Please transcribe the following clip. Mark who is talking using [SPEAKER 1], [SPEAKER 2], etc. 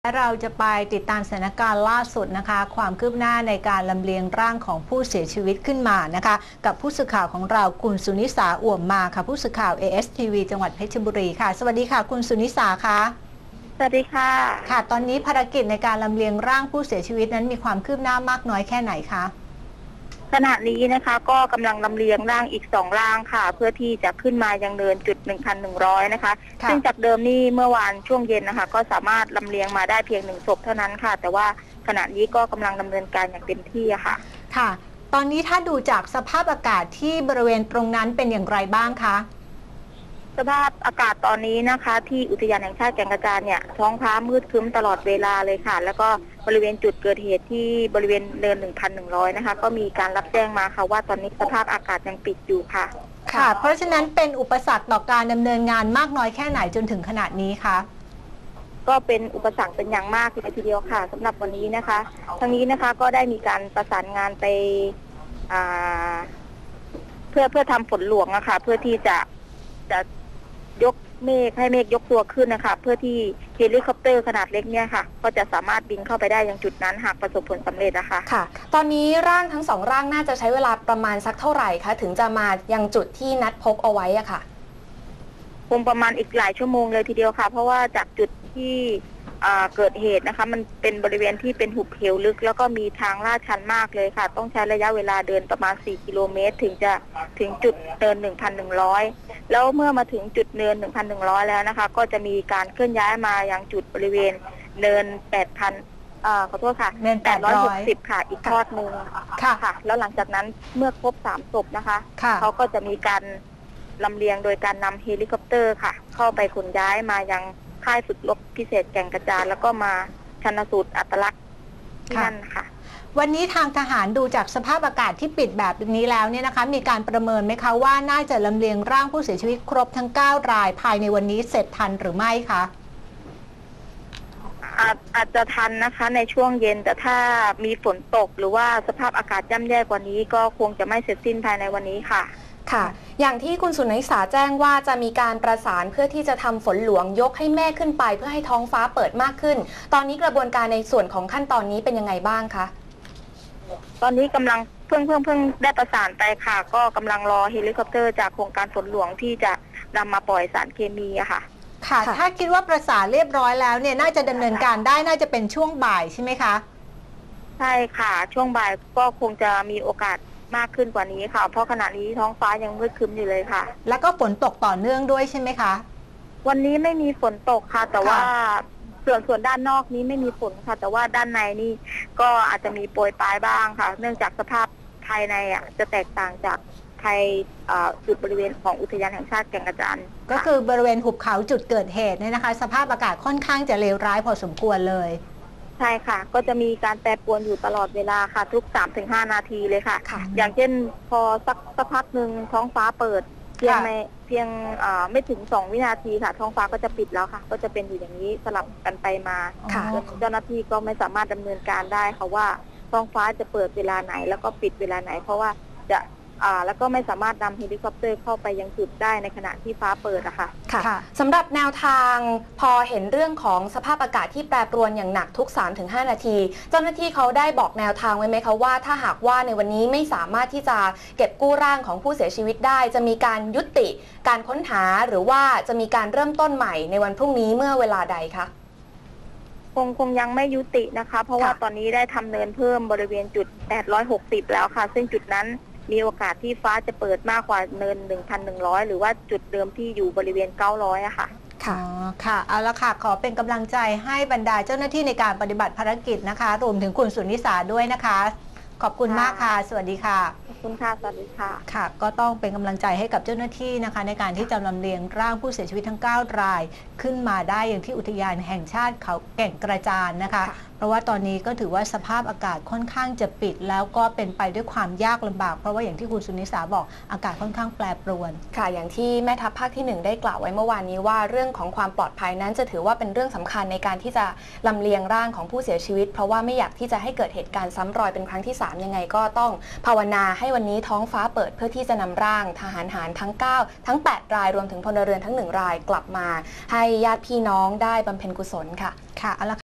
[SPEAKER 1] เราจะไปติดตามสถานการณ์ล่าสุดนะคะความคืบหน้าในการลำเลียงร่างของผู้เสียชีวิตขึ้นมานะคะกับผู้สื่อข่าวของเราคุณสุนิสาอ่วมมาค่ะผู้สื่อข่าว ASTV จังหวัดเพชรบุรีค่ะสวัสดีค่ะคุณสุนิสาค่ะ
[SPEAKER 2] สวัสดีค่ะ
[SPEAKER 1] ค่ะตอนนี้ภารกิจในการลำเลียงร่างผู้เสียชีวิตนั้นมีความคืบหน้ามากน้อยแค่ไหนคะ
[SPEAKER 2] ขณะนี้นะคะก็กำลังลำเลียงร่างอีก2ร่างค่ะเพื่อที่จะขึ้นมายังเนินจุด 1,100 นะคะซึ่งจากเดิมนี่เมื่อวานช่วงเย็นนะคะก็สามารถลำเลียงมาได้เพียง1ศพเท่านั้นค่ะแต่ว่าขณะนี้ก็กำลังดำเนินการอย่างเต็มที่ค่ะ
[SPEAKER 1] ค่ะตอนนี้ถ้าดูจากสภาพอากาศที่บริเวณตรงนั้นเป็นอย่างไรบ้างคะ
[SPEAKER 2] สภาพอากาศตอนนี้นะคะที่อุทยานแห่งชาติแก่งกระจานเนี่ยท้องฟ้ามืดครึ้มตลอดเวลาเลยค่ะแล้วก็บริเวณจุดเกิดเหตุที่บริเวณเนิน 1,100 นะคะก็มีการรับแจ้งมาค่ะว่าตอนนี้สภาพอากาศยังปิดอยู่ค่ะ
[SPEAKER 1] ค่ะเพราะฉะนั้นเป็นอุปสรรคต่อการดำเนินงานมากน้อยแค่ไหนจนถึงขนาดนี้คะ
[SPEAKER 2] ก็เป็นอุปสรรคเป็นอย่างมากเลยทีเดียวค่ะสำหรับวันนี้นะคะทั้งนี้นะคะก็ได้มีการประสานงานไปเพื่อทำฝนหลวงนะคะเพื่อที่จะยกเมฆให้เมฆยกตัวขึ้นนะคะเพื่อที่เฮลิคอปเตอร์ขนาดเล็กเนี่ยค่ะก็จะสามารถบินเข้าไปได้ยังจุดนั้นหากประสบผลสำเร็จนะคะ
[SPEAKER 3] ค่ะตอนนี้ร่างทั้ง2ร่างน่าจะใช้เวลาประมาณสักเท่าไหร่คะถึงจะมายังจุดที่นัดพบเอาไว้อะค่ะ
[SPEAKER 2] คงประมาณอีกหลายชั่วโมงเลยทีเดียวค่ะเพราะว่าจากจุดที่เกิดเหตุนะคะมันเป็นบริเวณที่เป็นหุบเหวลึกแล้วก็มีทางลาดชันมากเลยค่ะต้องใช้ระยะเวลาเดินประมาณ4กิโลเมตรถึงจะถึงจุดเนิน 1,100 แล้วเมื่อมาถึงจุดเนิน 1,100 แล้วนะคะก็จะมีการเคลื่อนย้ายมายังจุดบริเวณเนิน 8,000ขอโทษค่ะ860ค่ะอีกทอดหนึ่งค่ะแล้วหลังจากนั้นเมื่อครบ3ศพนะคะเขาก็จะมีการลำเลียงโดยการนำเฮลิคอปเตอร์ค่ะเข้าไปขนย้ายมายังค่ายฝึกรบพิเศษแก่งกระจานแล้วก็มาชันสูตรอัตลักษณ์ที่นั่นค่ะ
[SPEAKER 1] วันนี้ทางทหารดูจากสภาพอากาศที่ปิดแบบนี้แล้วเนี่ยนะคะมีการประเมินไหมคะว่าน่าจะลำเลียงร่างผู้เสียชีวิตครบทั้ง9รายภายในวันนี้เสร็จทันหรือไม่คะ
[SPEAKER 2] อาจจะทันนะคะในช่วงเย็นแต่ถ้ามีฝนตกหรือว่าสภาพอากาศย่ำแย่กว่านี้ก็คงจะไม่เสร็จสิ้นภายในวันนี้ค่ะ
[SPEAKER 3] ค่ะอย่างที่คุณสุนิสาแจ้งว่าจะมีการประสานเพื่อที่จะทำฝนหลวงยกให้แม่ขึ้นไปเพื่อให้ท้องฟ้าเปิดมากขึ้นตอนนี้กระบวนการในส่วนของขั้นตอนนี้เป็นยังไงบ้างคะ
[SPEAKER 2] ตอนนี้กำลังเพิ่งได้ประสานไปค่ะก็กำลังรอเฮลิคอปเตอร์จากโครงการฝนหลวงที่จะนำมาปล่อยสารเคมีอะค่ะ
[SPEAKER 1] ค่ะถ้าคิดว่าประสานเรียบร้อยแล้วเนี่ยน่าจะดำเนินการได้น่าจะเป็นช่วงบ่ายใช่ไหมคะ
[SPEAKER 2] ใช่ค่ะช่วงบ่ายก็คงจะมีโอกาสมากขึ้นกว่านี้ค่ะเพราะขณะนี้ท้องฟ้ายังมืดครึ้มอยู่เลยค่ะ
[SPEAKER 1] แล้วก็ฝนตกต่อเนื่องด้วยใช่ไหมคะ
[SPEAKER 2] วันนี้ไม่มีฝนตกค่ะแต่ว่าส่วนด้านนอกนี้ไม่มีฝนค่ะแต่ว่าด้านในนี่ก็อาจจะมีโปรยปลายบ้างค่ะเนื่องจากสภาพภายในจะแตกต่างจากภายจุดบริเวณของอุทยานแห่งชาติแก่งกระจาน
[SPEAKER 1] ก็คือบริเวณหุบเขาจุดเกิดเหตุเนี่ยนะคะสภาพอากาศค่อนข้างจะเลวร้ายพอสมควรเลย
[SPEAKER 2] ใช่ค่ะก็จะมีการแปรปรวนอยู่ตลอดเวลาค่ะทุก 3-5 นาทีเลยค่ะอย่างเช่นพอสักพักหนึ่งท้องฟ้าเปิดเพียงไม่ถึง2 วินาทีค่ะท้องฟ้าก็จะปิดแล้วค่ะก็จะเป็นอยู่อย่างนี้สลับกันไปมาเจ้าหน้าที่ก็ไม่สามารถดำเนินการได้ค่ะว่าท้องฟ้าจะเปิดเวลาไหนแล้วก็ปิดเวลาไหนเพราะว่าจะแล้วก็ไม่สามารถนำเฮลิคอปเตอร์เข้าไปยังจุดได้ในขณะที่ฟ้าเปิดอะค่ะ
[SPEAKER 3] สำหรับแนวทางพอเห็นเรื่องของสภาพอากาศที่แปรปรวนอย่างหนักทุก 3-5 นาทีเจ้าหน้าที่เขาได้บอกแนวทางไว้ไหมคะว่าถ้าหากว่าในวันนี้ไม่สามารถที่จะเก็บกู้ร่างของผู้เสียชีวิตได้จะมีการยุติการค้นหาหรือว่าจะมีการเริ่มต้นใหม่ในวันพรุ่งนี้เมื่อเวลาใดคะ
[SPEAKER 2] คงยังไม่ยุตินะคะเพราะว่าตอนนี้ได้ทำเนินเพิ่มบริเวณจุด860แล้วค่ะซึ่งจุดนั้นมีโอกาสที่ฟ้าจะเปิดมากกว่าเนิน 1,100 หรือว่าจุดเดิมที่อยู่บริเวณ900อะค่ะ
[SPEAKER 1] ค่ะเอาละค่ะขอเป็นกำลังใจให้บรรดาเจ้าหน้าที่ในการปฏิบัติภารกิจนะคะรวมถึงคุณสุนิสาด้วยนะคะขอบคุณมากค่ะสวัสดีค่ะ
[SPEAKER 2] ขอบคุณค่ะสวัสดีค่ะ
[SPEAKER 1] ค่ะก็ต้องเป็นกำลังใจให้กับเจ้าหน้าที่นะคะในการที่จะลำเลียงร่างผู้เสียชีวิตทั้ง9รายขึ้นมาได้อย่างที่อุทยานแห่งชาติเขาแก่งกระจานนะคะเพราะว่าตอนนี้ก็ถือว่าสภาพอากาศค่อนข้างจะปิดแล้วก็เป็นไปด้วยความยากลำบากเพราะว่าอย่างที่คุณสุนิสาบอกอากาศค่อนข้างแปรปรวน
[SPEAKER 3] ค่ะอย่างที่แม่ทัพภาคที่1ได้กล่าวไว้เมื่อวานนี้ว่าเรื่องของความปลอดภัยนั้นจะถือว่าเป็นเรื่องสำคัญในการที่จะลำเลียงร่างของผู้เสียชีวิตเพราะว่าไม่อยากที่จะให้เกิดเหตุการณ์ซ้ำรอยเป็นครั้งที่3ยังไงก็ต้องภาวนาให้วันนี้ท้องฟ้าเปิดเพื่อที่จะนำร่างทหารหารทั้ง9ทั้ง8รายรวมถึงพลเรือนทั้ง1รายกลับมาให้ญาติพี่น้องได้บำเพ็ญกุศลค่ะ
[SPEAKER 1] ค่ะ